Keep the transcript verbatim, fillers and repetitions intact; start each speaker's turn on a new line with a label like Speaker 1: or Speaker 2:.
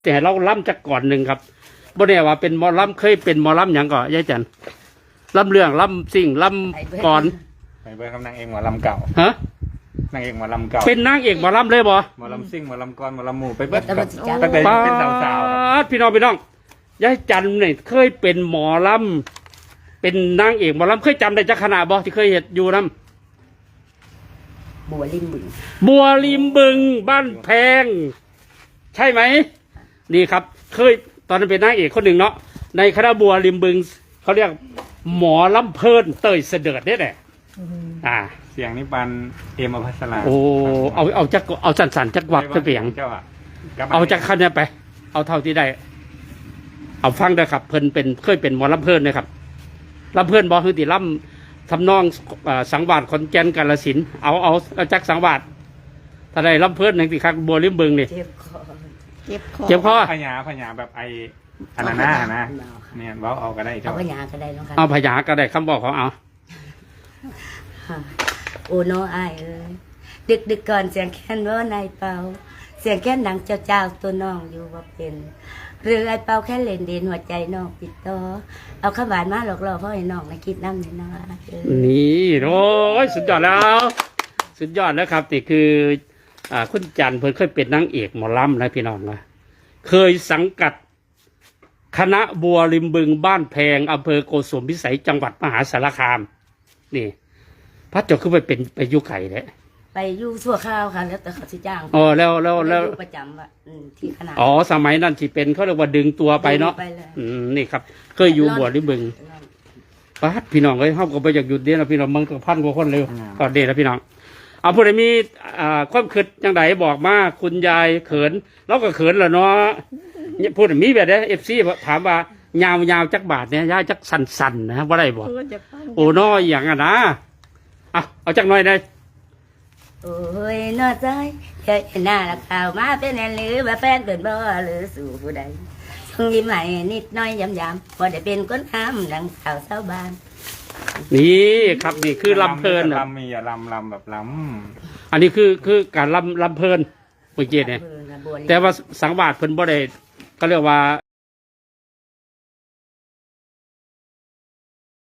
Speaker 1: แต่เราล่ำจากก่อนหนึ่งครับบ่แน่ว่าเป็นหมอล่ำเคยเป็นหมอล่ำหยังก่อนยายจันล่ำเรื่องล่ำสิ่งล่ำก่อน
Speaker 2: ไปเบิร์ครับนางเอกหมอลำเก่า
Speaker 1: ฮะ
Speaker 2: นางเอกหมอลำเก่า
Speaker 1: เป็นนางเอกหมอล่ำเลยบ่
Speaker 2: หมอลำซิ่งหมอลำกรหมอลำหมู่ไปเบิร์
Speaker 3: แต่มันสิจับ
Speaker 2: ตั้งแต่
Speaker 1: ป้า
Speaker 2: เป็นสาวๆครับ
Speaker 1: ดพี่น้องพี่น้องยายจันเนี่ยเคยเป็นหมอล่ำเป็นนางเอกหมอล่ำเคยจำได้จักขณะบ่ที่เคยเห็นอยู่น้
Speaker 3: บัวริมบึง
Speaker 1: ำบัวริมบึงบ้านแพง ใช่ไหมนี่ครับ เคยตอนนั้นเป็นนางเอกคนหนึ่งเนาะในคณะบัวริมบึงเขาเรียกหมอลำเพลินเตยเสด็จเนี่ยแหละอ่า
Speaker 2: เสียงนี่ปันเอ็มอภัสรา
Speaker 1: โอ้เอาเอาจักเอาสันสันๆจักวักจักเปียง
Speaker 2: เจ้าอะลับม
Speaker 1: เอาจากขั้นนี้ไป เอาเท่าที่ได้ เอาฟังได้ครับ เพิ่นเป็นเคยเป็นหมอลำเพลินนะครับลำเพลินบอคือติลำทำนองเอ่อสังวาสขอนแก่นกาฬสินธุ์เอาเอาเอาจักสังวาสถ้าได้ลำเพลินหนึ่งติคักบัวริมบึงนี่
Speaker 3: เจ็บคอเจ็บคอ
Speaker 1: เจ็บคอ
Speaker 2: พญาพญาแบบไออันนั้นนะนะเนี่ยเว้าเอาก็ได้
Speaker 3: เอา
Speaker 2: เจ้า
Speaker 3: พญาก็ได้น้องค่ะ
Speaker 1: เอาพยาก็ได้คำบอกของเอา
Speaker 3: โอ้น้องอายเอ้ยดึกดึกก่อนเสียงแค้นว่านายเป่าเสียงแค้นดังเจ้าเจ้าตัวน้องอยู่ว่าเป็นหรือไอ้เป่าแค่เล่นเด่นหัวใจน้องปิดต่อเอาข้าวหวานมาหลอกล่อพ่อให้น้องมาคิดน้ำในน้องเอ้ย
Speaker 1: นี่โอ้ยสุดยอดแล้ว สุดยอดแล้วครับนี่คืออ่าคุณจันทร์เพิ่นเคยเป็นนางเอกหมอลำนะพี่น้องนะเคยสังกัด คณะบัวริมบึงบ้านแพงอำเภอโกสุมพิสัยจังหวัดมหาสารคาม นี่พระเจ้าคือไปเป็นไปอยุไข่เลย
Speaker 3: ไปอยู่ชั่วข้าวค่ะแล้วแต่เขาสิจ้าง
Speaker 1: อ๋อแล้วแล้วแล้ว
Speaker 3: ไปอยู่ประจำว่ะอืมที่คณะ
Speaker 1: อ๋อสมัยนั้นที่เป็นเขาเรียกว่าดึงตัวไปเนาะ
Speaker 3: ไปเลย
Speaker 1: อืมนี่ครับ เคยอยู่บัวริมบึงป้าดพี่น้องเอ้ยเขาก็ไปอยากหยุดเดียวนะพี่น้องมึงก็พันกว่าคนเลยก็เดีแล้วพี่น้องเอาผู้ใดมีอ่าความคิดจังไดบอกมาคุณยายเขินเราก็เขินแหละเนาะเนี่ยพูดมีแบบนี้เอฟซีถามว่ายาวยาวจักบาทเนี่ยยายจักสันสันๆนะว่าได้บอกโอ้น้อยอย่างอ่ะนะอ่ะเอาจักหน่อยได้
Speaker 3: โอ้ยนอใจเคยเห็นหน้าละข่าวมาเป็นแอนหรือว่าแฟนเกินบ่หรือสู่ผู้ใดส่งยิ้มใหม่นิดน้อยย้ำๆพอได้เป็นคนห้ามดังสาวเศร้าบ้าน
Speaker 1: นี่ครับนี่คือลำเพลินอะ
Speaker 2: ลำมีอะลำลำแบบล
Speaker 1: อันนี้คือคือการลำลำเพลินเมื่อกี้เนี่ย แต่ว่าสังวาสเพิ่นบ่ได้ก็เรียกว่า